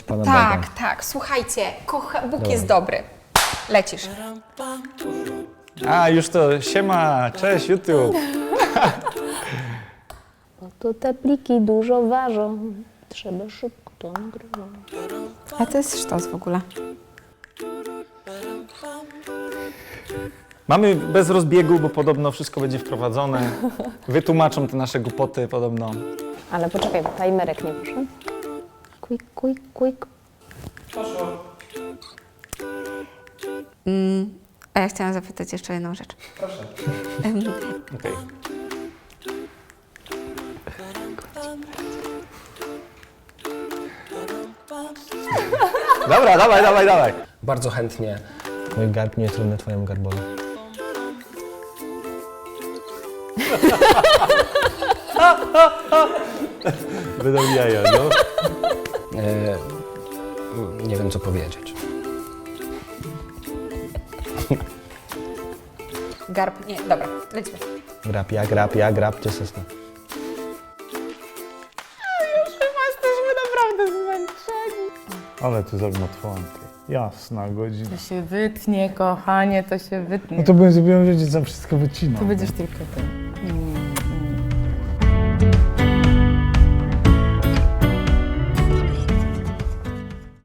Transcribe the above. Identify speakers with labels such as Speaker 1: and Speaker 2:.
Speaker 1: pana
Speaker 2: Tak,
Speaker 1: Bega.
Speaker 2: tak, słuchajcie, Bóg jest dobry. Lecisz.
Speaker 1: A, już to, siema, cześć YouTube.
Speaker 3: To te pliki dużo ważą, trzeba szybko to nagrywać.
Speaker 2: A to jest sztos w ogóle.
Speaker 1: Mamy bez rozbiegu, bo podobno wszystko będzie wprowadzone. Wytłumaczą te nasze głupoty podobno.
Speaker 3: Ale poczekaj, bo timerek nie poszedł. Quick, quick, quick.
Speaker 2: A ja chciałam zapytać jeszcze jedną rzecz.
Speaker 1: Okej. Dobra, dawaj.
Speaker 4: Bardzo chętnie.
Speaker 5: Mój garb nie jest równy twojemu garbowi.
Speaker 1: Będą jaja, no.
Speaker 4: Nie wiem, co powiedzieć.
Speaker 2: Garb, nie, dobra, lecimy.
Speaker 5: Ja grab, gdzie sosna?
Speaker 6: Ale ty zagmatwanty. Jasna godzina.
Speaker 7: To się wytnie, kochanie, to się wytnie.
Speaker 6: No to bym zrobił, że za wszystko wycinał.
Speaker 7: To będziesz tylko ty.